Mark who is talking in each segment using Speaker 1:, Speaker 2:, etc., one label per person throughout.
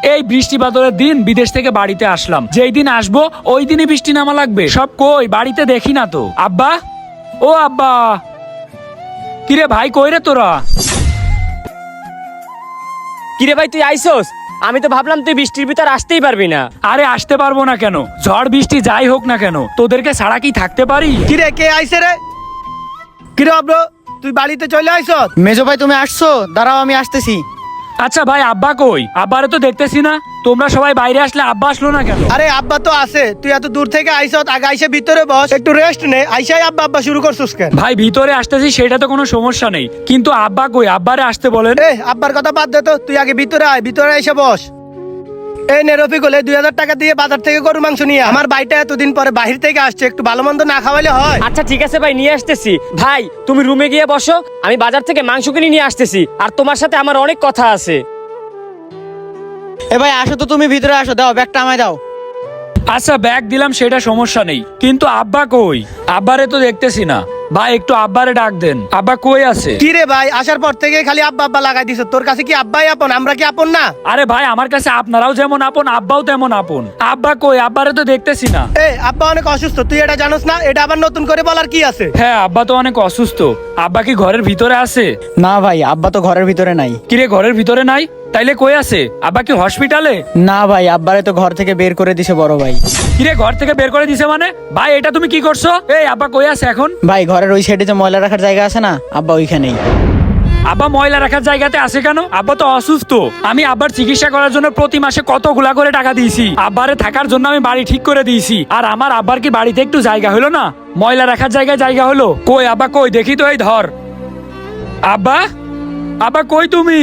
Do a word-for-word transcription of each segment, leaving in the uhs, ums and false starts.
Speaker 1: এই বৃষ্টি বাদলের দিন বিদেশ থেকে বাড়িতে আসলাম, যেই দিন আসবো ওই দিনই বৃষ্টি নামা লাগবে। সব কই, বাড়িতে দেখি না তো। আব্বা, ও আব্বা, কিরে ভাই কই রে তোরা?
Speaker 2: কিরে ভাই তুই আইসোস? আমি তো ভাবলাম তুই বৃষ্টির ভিতর আসতেই পারবি না।
Speaker 1: আরে আসতে পারবো না কেন, ঝড় বৃষ্টি যাই হোক না কেন তোদেরকে ছাড়া কি থাকতে পারি?
Speaker 3: কিরে কে আইছে রে? কিরে অব্র, তুই বাড়িতে চলে আইছ?
Speaker 4: মেজো ভাই তুমি আসছো, দাঁড়াও আমি আসতেছি।
Speaker 1: আচ্ছা ভাই, আব্বা কই? আব্বারে তো দেখতেছি না। তোমরা সবাই বাইরে আসলে আব্বা আসলো না কেন?
Speaker 3: আরে আব্বা তো আছে, তুই এত দূর থেকে আইছ, আগে আইসে ভিতরে বস, একটু রেস্ট নে। আইসাই আব্বা আব্বা শুরু করছিস কেন?
Speaker 1: ভাই ভিতরে আসতেছি সেটা তো কোনো সমস্যা নেই, কিন্তু আব্বা কই? আব্বারে আসতে বলেন।
Speaker 3: এ আব্বার কথা বাদ দে তো, তুই আগে ভিতরে আয়, ভিতরে এসে বস। এই নে রফিকুল, এই দুই হাজার টাকা দিয়ে বাজার থেকে গরু মাংস নিয়ে আয়। আমার ভাইটা এতদিন পরে বাহির থেকে আসছে, একটু ভালো মন্দ না খাওয়াইলে হয়?
Speaker 2: আচ্ছা ঠিক আছে ভাই, নিয়ে আসতেছি। ভাই তুমি রুমে গিয়ে বসো, আমি বাজার থেকে মাংস কিনে নিয়ে আসতেছি, আর তোমার সাথে আমার অনেক কথা আছে।
Speaker 4: এ ভাই আসো তো, তুমি ভিতরে আসো, দাও ব্যাগটা আমায় দাও।
Speaker 1: আচ্ছা ব্যাগ দিলাম, সেটা সমস্যা নেই, কিন্তু আব্বা কই? আব্বারে তো দেখতেছি না। ভাই একটু আব্বারে ডাক দেন, আব্বা কই আছে?
Speaker 3: কি রে ভাই, আসার পর থেকে খালি আব্বা আব্বা লাগাই দিছ। তোর কাছে কি আব্বাই আপন, আমরা কি আপন না?
Speaker 1: আরে ভাই আমার কাছে আপনারাও যেমন আপন, আব্বাও তেমন আপন। আব্বা কই? আব্বারে তো দেখতেছি না।
Speaker 3: এ আব্বা অনেক অসুস্থ, তুই এটা জানোস না? এটা আবার নতুন করে বলার কি আছে?
Speaker 1: হ্যাঁ আব্বা তো অনেক অসুস্থ। আব্বা কি ঘরের ভিতরে আছে?
Speaker 4: না ভাই, আব্বা তো ঘরের ভিতরে নাই।
Speaker 1: কিরে ঘরের ভিতরে নাই? তাইলে কই আছে? আব্বা কি হসপিটালে?
Speaker 4: না ভাই, আব্বারে তো ঘর থেকে বের করে দিছে বড় ভাই।
Speaker 1: কিরে ঘর থেকে বের করে দিছে মানে? ভাই এটা তুমি কি করছো? এই আব্বা কই আছে এখন?
Speaker 4: ভাই ঘরের ওই সাইডে যে ময়লা রাখার জায়গা আছে না, আব্বা ওইখানেই।
Speaker 1: আব্বা ময়লা রাখার জায়গাতে আছে কেন? আব্বা তো অসুস্থ। আমি আব্বার চিকিৎসা করার জন্য প্রতি মাসে কতগুলা করে টাকা দিয়েছি। আব্বারে থাকার জন্য আমি বাড়ি ঠিক করে দিয়েছি। আর আমার আব্বার কি বাড়িতে একটু জায়গা হলো না? ময়লা রাখার জায়গায় জায়গা হলো? কই আব্বা কই? দেখি তো, এই ধর। আব্বা, আব্বা কই তুমি?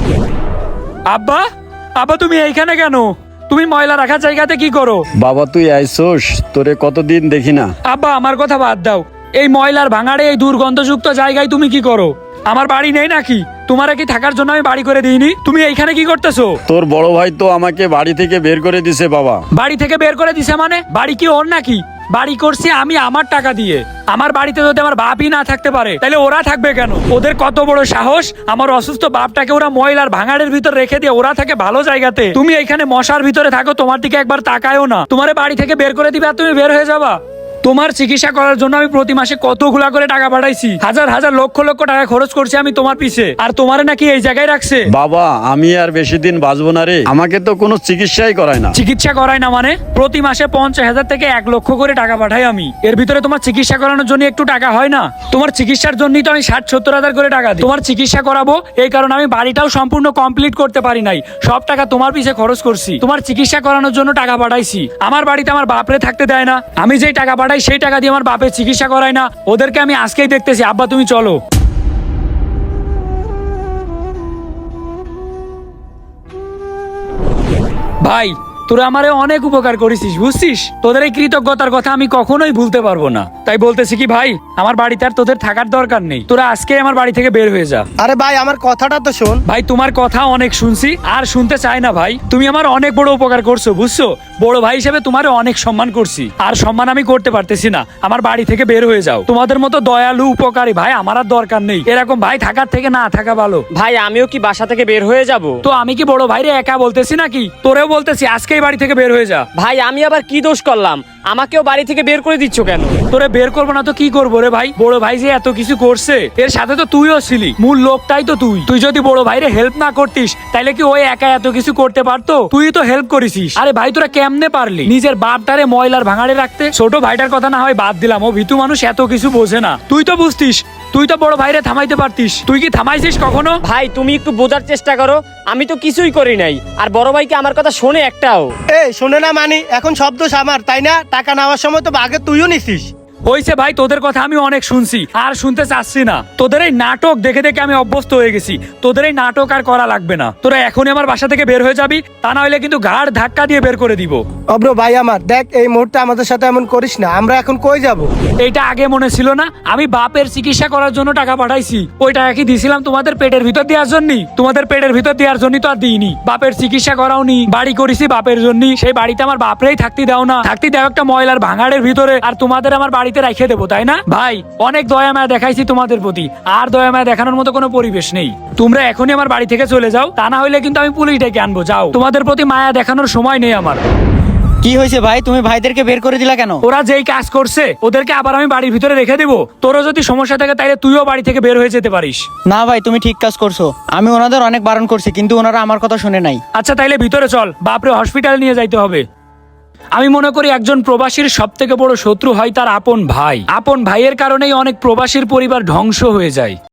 Speaker 1: আব্বা, আব্বা তুমি এইখানে কেন? তুমি ময়লা রাখার জায়গাতে কি করো?
Speaker 5: বাবা তুই আইসোস, তোরে কতদিন দেখি না।
Speaker 1: আব্বা আমার কথা বাদ দাও, এই ময়লার ভাঙাড়ে এই দুর্গন্ধযুক্ত জায়গায় তুমি কি করো? আমার বাড়ি নেই নাকি? তোমার কি থাকার জন্য আমি বাড়ি করে দিইনি? তুমি এইখানে কি করতেছো?
Speaker 5: তোর বড় ভাই তো আমাকে বাড়ি থেকে বের করে দিছে বাবা।
Speaker 1: বাড়ি থেকে বের করে দিছে মানে? বাড়ি কি ওর নাকি? বাড়ি করছি আমি আমার টাকা দিয়ে। আমার বাড়িতে যদি আমার বাপই না থাকতে পারে তাহলে ওরা থাকবে কেন? ওদের কত বড় সাহস, আমার অসুস্থ বাপটাকে ওরা ময়লার ভাঙাড়ের ভিতর রেখে দিয়ে ওরা থাকে ভালো জায়গাতে। তুমি এইখানে মশার ভিতরে থাকো, তোমার দিকে একবার তাকায়ও না। তোমার বাড়ি থেকে বের করে দিবে আর তুমি বের হয়ে যাবা? তোমার চিকিৎসা করার জন্য আমি প্রতি মাসে কতগুলা করে টাকা পাঠাইছি, হাজার হাজার লক্ষ লক্ষ টাকা খরচ করছি আমি তোমার পিছে, আর তোমারে নাকি এই জায়গায় রাখছে।
Speaker 5: বাবা আমি আর বেশি দিন বাঁচবো না রে, আমাকে তো কোনো চিকিৎসাই করায় না।
Speaker 1: চিকিৎসা করায় না মানে? প্রতি মাসে পঞ্চাশ হাজার থেকে এক লক্ষ করে টাকা পাঠাই আমি। এর ভিতরে তোমার চিকিৎসা করানোর জন্য একটু টাকা হয় না? তোমার চিকিৎসার জন্যই তো আমি ষাট সত্তর হাজার করে টাকা দিই। তোমার চিকিৎসা করাবো এই কারণে আমি বাড়িটাও সম্পূর্ণ কমপ্লিট করতে পারি নাই, সব টাকা তোমার পিছে খরচ করছি। তোমার চিকিৎসা করানোর জন্য টাকা পাঠাইছি। আমার বাড়িতে আমার বাপরে থাকতে দেয় না, আমি যেই টাকা পাঠাই সেই টাকা দিয়ে আমার বাপের চিকিৎসা করাই না। ওদেরকে আমি আজকেই দেখতেছি। আব্বা তুমি চলো। ভাই তোরা আমারে অনেক উপকার করেছিস, বুঝছিস? তোদের এই কৃতজ্ঞতার কথা আমি কখনোই ভুলতে পারবো না। তাই বলতেছি কি ভাই, আমার বাড়িতে আর তোদের থাকার দরকার নেই। তোরা আজকে আমার বাড়ি থেকে বের হয়ে যা।
Speaker 3: আরে ভাই আমার কথাটা তো শোন।
Speaker 1: ভাই তোমার কথা অনেক শুনছি, আর শুনতে চাই না ভাই। তুমি আমার অনেক বড় উপকার করছো, বুঝছো? বড় ভাই হিসেবে তোমার অনেক সম্মান করছি, আর সম্মান আমি করতে পারতেছি না। আমার বাড়ি থেকে বের হয়ে যাও। তোমাদের মতো দয়ালু উপকারী ভাই আমার আর দরকার নেই। এরকম ভাই থাকার থেকে না থাকা ভালো।
Speaker 2: ভাই আমিও কি বাসা থেকে বের হয়ে যাব?
Speaker 1: তো আমি কি বড় ভাইরে একা বলতেছি নাকি? তোরেও বলতেছি আজকেই বাড়ি থেকে বের হয়ে যা।
Speaker 2: ভাই আমি আবার কি দোষ করলাম? আমাকেও বাড়ি থেকে বের করে দিচ্ছ কেন?
Speaker 1: তোরে বের করবো না তো কি করবো রে ভাই? বড় ভাই যে এত কিছু করছে, এর সাথে তো তুইও ছিলি, মূল লোকটাই তো তুই। তুই যদি বড় ভাইরে হেল্প না করতিস তাহলে কি ওই একা এত কিছু করতে পারতো? তুই তো হেল্প করেছিস। আরে ভাই তোরা কেমনে পারলি নিজের বাপটারে ময়লার ভাঙাড়ে রাখতে? ছোট ভাইটার কথা না হয় বাদ দিলাম, ও ভিতু মানুষ, এত কিছু বোঝে না। তুই তো বুঝতিস, তুই তো বড় ভাইরে থামাইতে পারতিস। তুই কি থামাইছিস কখনো?
Speaker 2: ভাই তুমি একটু বোঝার চেষ্টা করো, আমি তো কিছুই করি নাই। আর বড় ভাইকে আমার কথা শোনে একটাও?
Speaker 3: এ শোনে না মানি, এখন শব্দ আমার তাই না? টাকা নেওয়ার সময় তো আগে তুইও নিছিস।
Speaker 1: হইছে ভাই, তোদের কথা আমি অনেক শুনছি, আর শুনতে চাচ্ছি না। তোদের এই নাটক দেখে দেখে আমি অভ্যস্ত হয়ে গেছি। তোদের এই নাটক আর করা লাগবে না। তোরা এখনই আমার বাসা থেকে বের হয়ে যাবি, তা না হলে কিন্তু ঘাড় ধাক্কা দিয়ে বের করে দিব।
Speaker 3: অব্র ভাই আমার দেখ, এই মুহূর্তে আমাদের সাথে এমন করিস না। আমরা এখন কই যাব?
Speaker 1: এইটা আগে মনে ছিল না? আমি বাপের চিকিৎসা করার জন্য টাকা পাঠাইছি। ওই টাকা কি দিছিলাম তোমাদের পেটের ভিতর দেওয়ার জন্য? তোমাদের পেটের ভিতর দেওয়ার জন্য তো আর দিইনি। বাপের চিকিৎসা করাওনি, বাড়ি করেছি বাপের জন্য। সেই বাড়িতে আমার বাপরেই থাকতে দাও না, থাকতে দাও একটা ময়লার ভাঙাড়ের ভিতরে। আর তোমাদের আমার বাড়িতে বাড়িতে রেখে দেবো, তাই না? ভাই অনেক দয়া মায়া দেখাইছি তোমাদের প্রতি, আর দয়া মায়া দেখানোর মতো কোনো পরিবেশ নেই। তোমরা এখনই আমার বাড়ি থেকে চলে যাও, তা না হইলে কিন্তু আমি পুলিশ ডেকে আনবো। যাও, তোমাদের প্রতি মায়া দেখানোর সময় নেই আমার।
Speaker 4: কি হয়েছে ভাই, তুমি ভাইদেরকে বের করে দিলা কেন?
Speaker 1: ওরা যেই কাজ করছে ওদেরকে আবার আমি বাড়ির ভিতরে রেখে দেবো? তোরও যদি সমস্যা থাকে তাইলে তুইও বাড়ি থেকে বের হয়ে যেতে পারিস।
Speaker 4: না ভাই, তুমি ঠিক কাজ করছো। আমি ওনাদের অনেক বারণ করছি, কিন্তু ওনারা আমার কথা শুনে নাই।
Speaker 1: আচ্ছা তাইলে ভিতরে চল, বাপরে হসপিটাল নিয়ে যাইতে হবে। আমি মনে করি একজন প্রবাসীর সব থেকে বড় শত্রু হয় তার আপন ভাই। আপন ভাইয়ের কারণেই অনেক প্রবাসীর পরিবার ধ্বংস হয়ে যায়।